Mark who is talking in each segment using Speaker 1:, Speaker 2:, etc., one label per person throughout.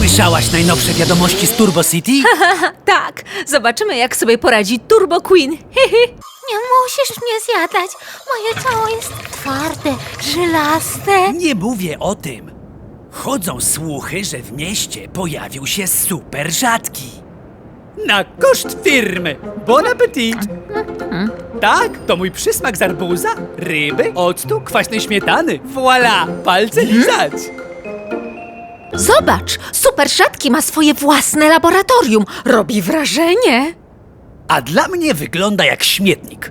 Speaker 1: Słyszałaś najnowsze wiadomości z Turbo City?
Speaker 2: Tak, zobaczymy jak sobie poradzi Turbo Queen.
Speaker 3: Nie musisz mnie zjadać. Moje ciało jest twarde, żylaste.
Speaker 1: Nie mówię o tym. Chodzą słuchy, że w mieście pojawił się super rzadki. Na koszt firmy. Bon appetit! Tak, to mój przysmak z arbuza, ryby, octu, kwaśnej śmietany. Voilà, palce lizać.
Speaker 2: Zobacz, super rzadki ma swoje własne laboratorium. Robi wrażenie.
Speaker 1: A dla mnie wygląda jak śmietnik.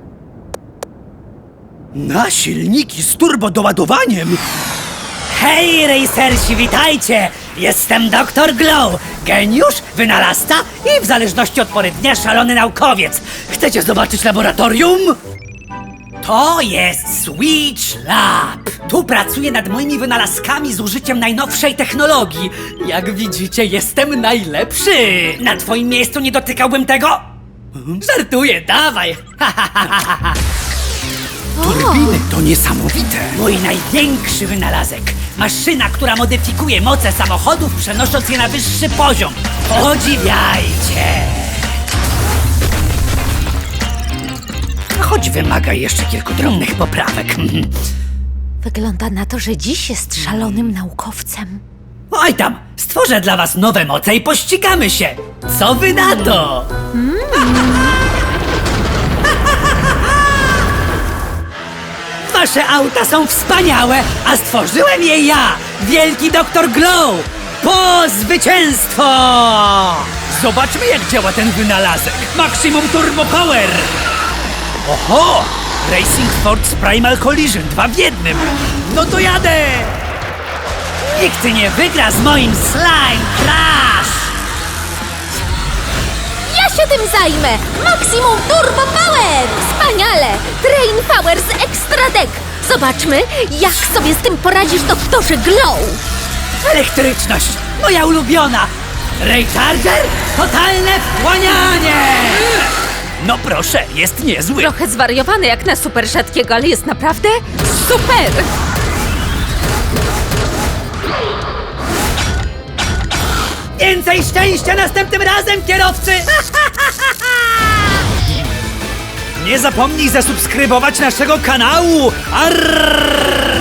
Speaker 1: Na silniki z turbodoładowaniem! Hej, racersi, witajcie! Jestem Dr. Glow, geniusz, wynalazca i w zależności od pory dnia szalony naukowiec. Chcecie zobaczyć laboratorium? To jest Switch Lab. Tu pracuję nad moimi wynalazkami z użyciem najnowszej technologii. Jak widzicie, jestem najlepszy. Na twoim miejscu nie dotykałbym tego? Żartuję, dawaj. Turbiny to niesamowite. Mój największy wynalazek. Maszyna, która modyfikuje moce samochodów, przenosząc je na wyższy poziom. Podziwiajcie. Choć wymaga jeszcze kilku drobnych poprawek.
Speaker 2: Wygląda na to, że dziś jest szalonym naukowcem.
Speaker 1: Oj tam, stworzę dla was nowe moce i pościgamy się. Co wy na to? Wasze auta są wspaniałe, a stworzyłem je ja, wielki Dr. Glow. Po zwycięstwo! Zobaczmy, jak działa ten wynalazek. Maximum Turbo Power! Oho! Racing Force Primal Collision, 2 w 1. No to jadę! Nikt nie wygra z moim Slime Crash!
Speaker 3: Ja się tym zajmę! Maximum Turbo Power! Wspaniale! Train Power z Extra Deck! Zobaczmy, jak sobie z tym poradzisz, doktorze Glow!
Speaker 1: Elektryczność, moja ulubiona! Raycharger, totalne wchłanianie! No proszę, jest niezły.
Speaker 2: Trochę zwariowany jak na super rzadkiego, ale jest naprawdę super!
Speaker 1: Więcej szczęścia następnym razem, kierowcy! Nie zapomnij zasubskrybować naszego kanału! Arrrrrr!